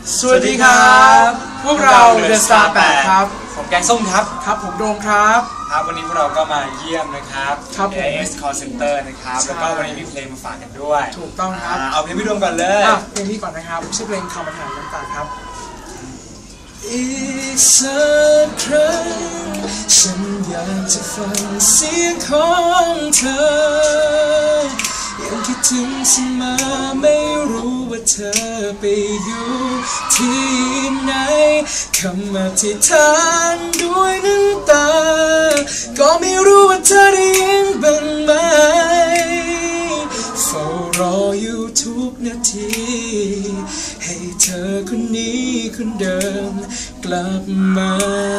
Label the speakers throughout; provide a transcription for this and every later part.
Speaker 1: สวัสดีครับพวกเรา The Star 8 ครับ
Speaker 2: ผมแกงส้มครับ
Speaker 1: ครับผมโดมครับ
Speaker 2: ครับวันนี้พวกเราก็มาเยี่ยมนะครับ
Speaker 1: AIS
Speaker 2: Call Center นะครับแล้วก็วันนี้มีเพลงมาฝากกันด้วย
Speaker 1: ถูกต้องครับ
Speaker 2: เอาเพลงพี่ดวงก่อนเลย
Speaker 1: เพลงนี้ก่อนนะครับชื่อเพลงคำบรรทานน้ำตาครับอีกสักครั้งฉันอยากจะฟังเสียงของเธอยังคิดถึงเสมอไม่รู้ว่าเธอไปอยู่ที่ไหนคำอธิษฐานด้วยน้ำตาก็ไม่รู้ว่าเธอได้ยินบ้างไหมเฝ้ารออยู่ทุกนาทีให้เธอคนนี้คนเดิมกลับมา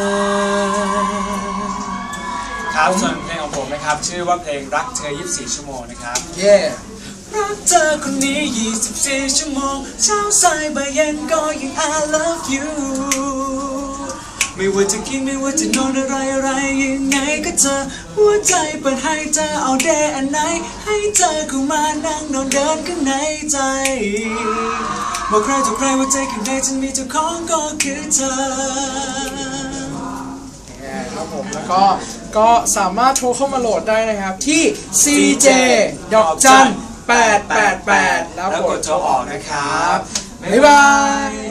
Speaker 2: ครับส่วนเพลงของผมนะครับชื่อว่าเพลงรักเธอ24ชั่วโมงนะครับ
Speaker 1: รักเธอคนนี้24ชั่วโมงเช้าสายบ่ายเย็นก็ยัง I love you ไม่ว่าจะกินไม่ว่าจะนอนอะไรยังไงก็เจอหัวใจเปิดให้เธอเอาแดอันไหนให้เธอเข้ามานั่งนอนเดินข้างในใจบอกใครต่อใครว่าใจข้างในฉันมีเจ้าของก็คือเธอครับผมแล้วก็สามารถโทรเข้ามาโหลดได้นะครับที่ CJ ดอกจัน888แล้วกดโทรออกนะครับบ๊ายบาย